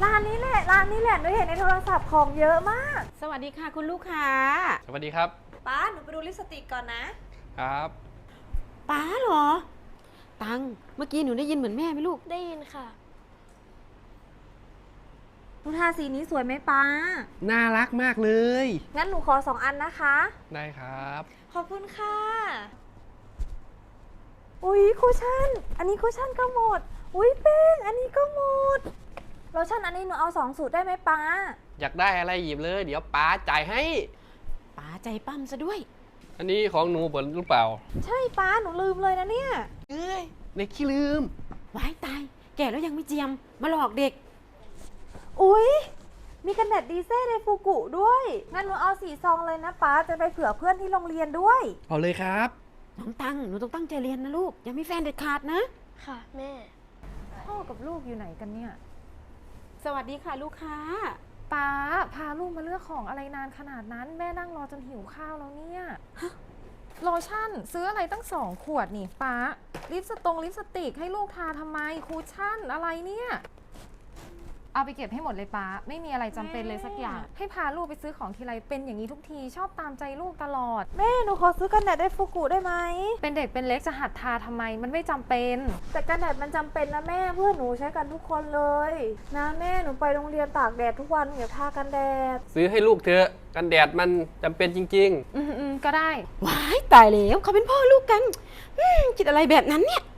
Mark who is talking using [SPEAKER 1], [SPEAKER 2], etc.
[SPEAKER 1] ร้านนี้แหละหนูเห็นในโทรศัพท์ของเยอะมาก
[SPEAKER 2] สวัสดีค่ะคุณลูกค้า
[SPEAKER 3] สวัสดีครับ
[SPEAKER 1] ป้าหนูไปดูลิปสติกก่อนนะ
[SPEAKER 3] ครับ
[SPEAKER 2] ป้าเหรอ ตังเมื่อกี้หนูได้ยินเหมือนแม่ไหมลูก
[SPEAKER 4] ได้ยินค่ะ
[SPEAKER 1] หนูทาสีนี้สวยไหมป้า
[SPEAKER 3] น่ารักมากเลย
[SPEAKER 1] งั้นหนูขอ2 อันนะคะ
[SPEAKER 3] ได้ครับ
[SPEAKER 1] ขอบคุณค่ะ อุ๊ยคุชชั่น อันนี้คุชชั่นก็หมด อุ๊ยแป้งอันนี้ก็หมดโลชั่นอันนี้หนูเอา2 สูตรได้ไหมป้า
[SPEAKER 3] อยากได้อะไรหยิบเลย เดี๋ยวป้าจ่ายให้
[SPEAKER 2] ป้าใจปั้มซะด้วย
[SPEAKER 3] อันนี้ของหนูเปิดหรือเปล่า
[SPEAKER 1] ใช่ป้าหนูลืมเลยนะเนี่ย
[SPEAKER 3] เอ้ยเด็กขี้ลืม
[SPEAKER 2] ว้ายตาย แก่แล้วยังไม่เจียม มาหลอกเด็ก
[SPEAKER 1] อุ๊ย มีกันแดดดีเซ่ในฟูกุด้วย งั้นหนูเอา4 ซองเลยนะป้า จะไปเผื่อเพื่อนที่โรงเรียนด้วย
[SPEAKER 3] เอาเลยครับ
[SPEAKER 2] น้องตังหนูต้องตั้งใจเรียนนะลูก อย่ามีแฟนเด็ดขาดนะ
[SPEAKER 4] ค่ะแม่
[SPEAKER 1] พ่อกับลูกอยู่ไหนกันเนี่ย
[SPEAKER 2] สวัสดีค่ะลูกค้า
[SPEAKER 1] ป้าพาลูกมาเลือกของอะไรนานขนาดนั้น แม่นั่งรอจนหิวข้าวแล้วเนี่ยโลชั่นซื้ออะไรตั้ง2 ขวดนี่ป้าลิปสติกให้ลูกทาทำไมคูชั่นอะไรเนี่ยเอาไปเก็บให้หมดเลยป้าไม่มีอะไรจำเป็นเลยสักอย่าง ให้พาลูกไปซื้อของทีไรเป็นอย่างนี้ทุกทีชอบตามใจลูกตลอดแม่หนูขอซื้อกันแดดได้ฟูกุได้ไหมเป็นเด็กเป็นเล็กจะหัดทาทำไมมันไม่จำเป็น แต่กันแดดมันจำเป็นนะแม่เพื่อนหนูใช้กันทุกคนเลยนะแม่หนูไปโรงเรียนตากแดดทุกวันอย่าทากันแดด
[SPEAKER 3] ซื้อให้ลูกเถอะ กันแดดมันจำเป็นจริง
[SPEAKER 1] ก็ได้
[SPEAKER 2] ว้ายตายแล้วเขาเป็นพ่อลูกกันคิดอะไรแบบนั้นเนี่ย